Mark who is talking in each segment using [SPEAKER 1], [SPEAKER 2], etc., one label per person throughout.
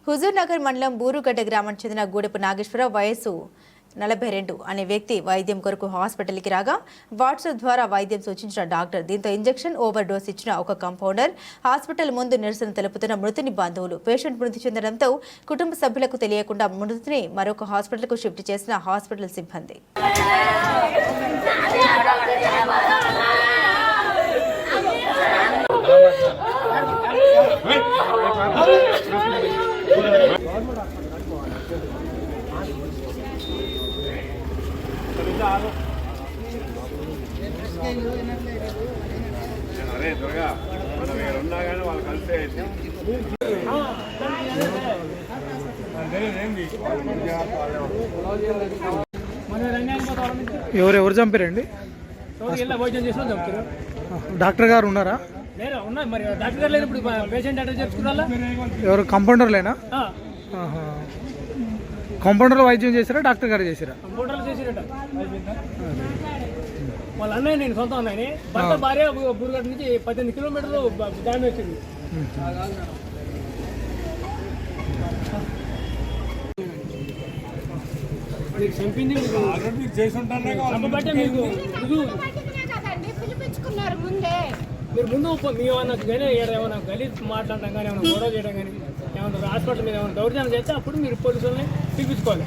[SPEAKER 1] హుజూర్నగర్ మండలం బూరుగడ్డ గ్రామానికి చెందిన గూడెపు నాగేశ్వరరావు వయసు 42 అనే వ్యక్తి వైద్యం కొరకు హాస్పిటల్కి రాగా వాట్సాప్ ద్వారా వైద్యం సూచించిన డాక్టర్ దీంతో ఇంజెక్షన్ ఓవర్ డోస్ ఇచ్చిన ఒక కంపౌండర్ హాస్పిటల్ ముందు నిరసన తెలుపుతున్న మృతుని బంధువులు పేషెంట్ మృతి చెందడంతో కుటుంబ సభ్యులకు తెలియకుండా మృతిని మరొక హాస్పిటల్కు షిఫ్ట్ చేసిన హాస్పిటల్ సిబ్బంది.
[SPEAKER 2] అరే త్వరగా మనం ఉన్నా కానీ వాళ్ళు కలిసే
[SPEAKER 3] ఎవరెవరు చంపారండి? డాక్టర్ గారు ఉన్నారా? ఎవరు కంపౌండర్లేనా? కంపౌండర్ వైద్యం చేశారా డాక్టర్ గారు చేశారా?
[SPEAKER 4] వాళ్ళ అన్నయ్య నేను సొంత అన్నయ్యని భర్త భార్య బూరుగడ్డ నుంచి 18 కిలోమీటర్లు దాని వచ్చింది. మీకు చంపింది మీరు ముందు మేమన్నా కానీ ఏమైనా గలీజ్ మాట్లాడటం కానీ ఏమైనా గొడవ చేయడం కానీ ఏమన్నా హాస్పిటల్ మీద ఏమైనా దౌర్జన్యం చేస్తే అప్పుడు మీరు పోలీసులని పిలిపించుకోవాలి.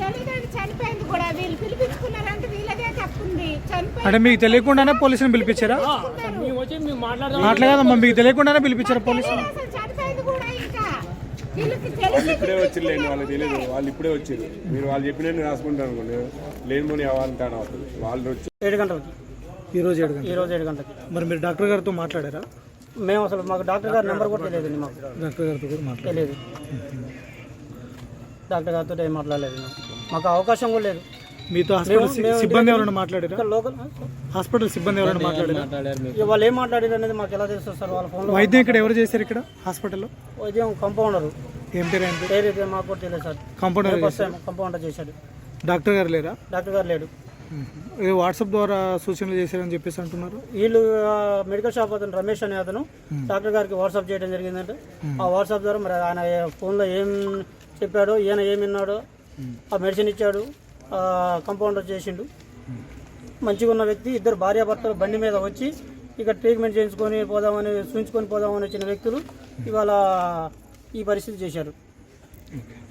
[SPEAKER 3] అంటే మీకు తెలియకుండానే పోలీసుని పిలిపించారా?
[SPEAKER 4] మేము వచ్చి మేము
[SPEAKER 3] మాట్లాడదామా? మీకు తెలియకుండానే పిలిపించారా పోలీసులు?
[SPEAKER 2] వాళ్ళు ఇప్పుడే వచ్చిర్లేండి, వాళ్ళకి తెలియదు. వాళ్ళు ఇప్పుడే వచ్చారు. మీరు వాళ్ళు చెప్పినట్టు రాసుకుంటారు అనుకోండి, లేని అవ్వాలంటాను అవుతుంది. వాళ్ళు వచ్చి
[SPEAKER 4] 7 గంటలకి
[SPEAKER 3] ఈరోజు 7
[SPEAKER 4] గంటలకి.
[SPEAKER 3] మరి మీరు డాక్టర్ గారితో మాట్లాడారా?
[SPEAKER 4] మేము అసలు మాకు డాక్టర్ గారి నెంబర్ కూడా తెలియదండి. మాకు
[SPEAKER 3] డాక్టర్ గారితో కూడా
[SPEAKER 4] తెలియదు. డాక్టర్ గారితో ఏం మాట్లాడలేదు. మాకు అవకాశం కూడా లేదు.
[SPEAKER 3] మీతో హాస్పిటల్ సిబ్బంది ఎవరైనా మాట్లాడారా?
[SPEAKER 4] లోకల్
[SPEAKER 3] హాస్పిటల్ సిబ్బంది ఎవరైనా మాట్లాడారు?
[SPEAKER 4] వాళ్ళు ఏం మాట్లాడారు అనేది మాకు ఎలా తెలుస్తుంది సార్? వాళ్ళ ఫోన్లో
[SPEAKER 3] వైద్యం ఇక్కడ ఎవరు చేశారు? ఇక్కడ హాస్పిటల్లో
[SPEAKER 4] వైద్యం కంపౌండర్.
[SPEAKER 3] ఏం పేరు? ఏం
[SPEAKER 4] పేరు అయితే మాకు కూడా తెలియదు సార్. కంపౌండర్ చేశాడు.
[SPEAKER 3] డాక్టర్ గారు లేరా?
[SPEAKER 4] డాక్టర్ గారు లేడు.
[SPEAKER 3] వాట్సాప్ ద్వారా సూచనలు చేశారని చెప్పేసి అంటున్నారు.
[SPEAKER 4] వీళ్ళు మెడికల్ షాప్ అతను రమేష్ అనే అతను డాక్టర్ గారికి వాట్సాప్ చేయడం జరిగిందంటే ఆ వాట్సాప్ ద్వారా మరి ఆయన ఫోన్లో ఏం చెప్పాడో, ఈయన ఏమి విన్నాడో, ఆ మెడిసిన్ ఇచ్చాడు, కంపౌండర్ చేసిండు. మంచిగా ఉన్న వ్యక్తి ఇద్దరు భార్యాభర్తలు బండి మీద వచ్చి ఇక ట్రీట్మెంట్ చేయించుకొని పోదామని చూపించుకొని పోదామని వచ్చిన వ్యక్తులు ఇవాళ ఈ పరిస్థితి చేశారు.